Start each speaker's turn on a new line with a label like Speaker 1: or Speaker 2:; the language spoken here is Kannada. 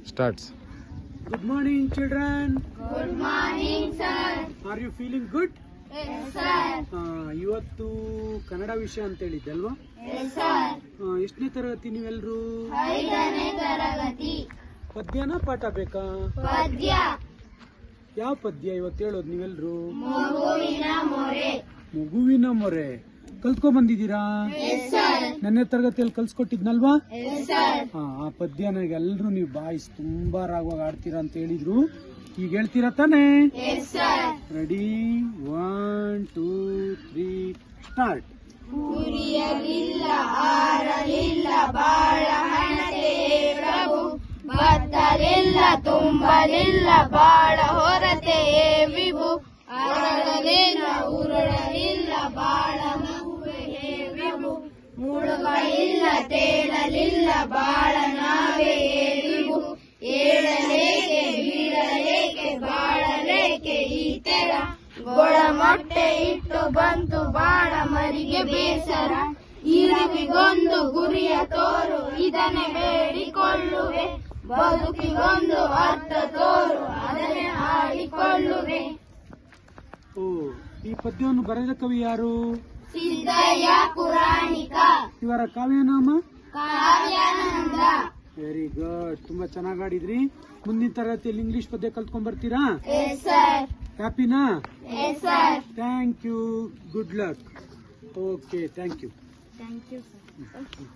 Speaker 1: Starts.
Speaker 2: Good morning, children.
Speaker 3: Good morning, sir.
Speaker 2: Are you feeling good?
Speaker 3: Yes, sir.
Speaker 2: ಇವತ್ತು ಕನ್ನಡ ವಿಷಯ ಅಂತ ಹೇಳಿದ್ದಲ್ವಾ?
Speaker 3: Yes, sir.
Speaker 2: ಎಷ್ಟನೇ ತರಗತಿ ನೀವೆಲ್ಲರೂ?
Speaker 3: 5ನೇ ತರಗತಿ.
Speaker 2: ಪದ್ಯನ ಪಾಠ ಬೇಕಾ?
Speaker 3: ಪದ್ಯ.
Speaker 2: ಯಾವ ಪದ್ಯ ಇವತ್ತು ಹೇಳೋದು ನೀವೆಲ್ಲರೂ?
Speaker 3: ಮಗುವಿನ ಮೊರೆ.
Speaker 2: ಮಗುವಿನ ಮೊರೆ ಕಲ್ತ್ಕೊಂಡ್ ಬಂದಿದ್ದೀರಾ?
Speaker 3: Yes, sir.
Speaker 2: ನನ್ನ ತರಗತಿಯಲ್ಲಿ ಕಲ್ಸ್ಕೊಟ್ಟಿದ್ನಲ್ವಾ?
Speaker 3: Yes, sir.
Speaker 2: ಆ ಪದ್ಯನ ಎಲ್ಲರೂ ನೀವು ಬಾಯಿಸ್ ತುಂಬಾ ರಾಗವಾಗಿ ಆಡ್ತೀರಾ ಅಂತ ಹೇಳಿದ್ರು. ಈಗ ಹೇಳ್ತೀರಾ ತಾನೇ?
Speaker 3: Yes, sir.
Speaker 2: Ready 1 2 3 start.
Speaker 3: ಉರಿಯಲಿಲ್ಲ ಆರಲಿಲ್ಲ ಬಾಳ ಹಣತೆಯೇ ಪ್ರಭು, ಬತ್ತಲಿಲ್ಲ ತುಂಬಲಿಲ್ಲ ಬಾಳ ಹೊರತೆಯೇ ವಿಭು, ಅರಳಲಿಲ್ಲ ಉರುಳಲಿಲ್ಲ ಬಾಳ ಮಗುವೆಯೇ ವಿಭು, ಮುಳುಗಳಿಲ್ಲ ತೇಳಲಿಲ್ಲ ಬಾಳ ನಾವೆಯೇ ವಿಭು, ಏಳಲೇಕೆ ಬೀಳಲೇಕೆ ಬಾಳಲೇಕೆ ಈ ತೆರ, ಗೊಳ ಮೊಟ್ಟೆ ಇಟ್ಟು ಬಂತು ಬಾಳ ಮರಿಗೆ ಬೇಸರ, ಇರುವಿಗೊಂದು ಗುರಿಯ ತೋರು ಇದನ್ನೇ ಬೇಡಿಕೊಳ್ಳುವೆ, ಬದುಕಿಗೊಂದು ಅರ್ಥ ತೋರು ಅದನ್ನೇ ಹಾಡಿಕೊಳ್ಳುವೆ.
Speaker 2: ಓ, ಈ ಪದ್ಯವನ್ನು ಬರೆದ ಕವಿ ಯಾರು?
Speaker 3: ಸಿದ್ದಯ್ಯ ಪುರಾಣಿಕ.
Speaker 2: ಇವರ ಕಾವ್ಯನಾಮ?
Speaker 3: ಕಾವ್ಯಾನಂದ.
Speaker 2: ವೆರಿ ಗುಡ್, ತುಂಬಾ ಚೆನ್ನಾಗಿ ಆಡಿದ್ರಿ. ಮುಂದಿನ ತರಗತಿಯಲ್ಲಿ ಇಂಗ್ಲಿಷ್ ಪದ್ಯ ಕಲ್ತ್ಕೊಂಡ್ ಬರ್ತೀರಾ?
Speaker 3: Yes, sir.
Speaker 2: ಹ್ಯಾಪಿನಾ?
Speaker 3: Yes, sir.
Speaker 2: Thank you, good luck. Okay, thank you.
Speaker 3: Thank you, sir.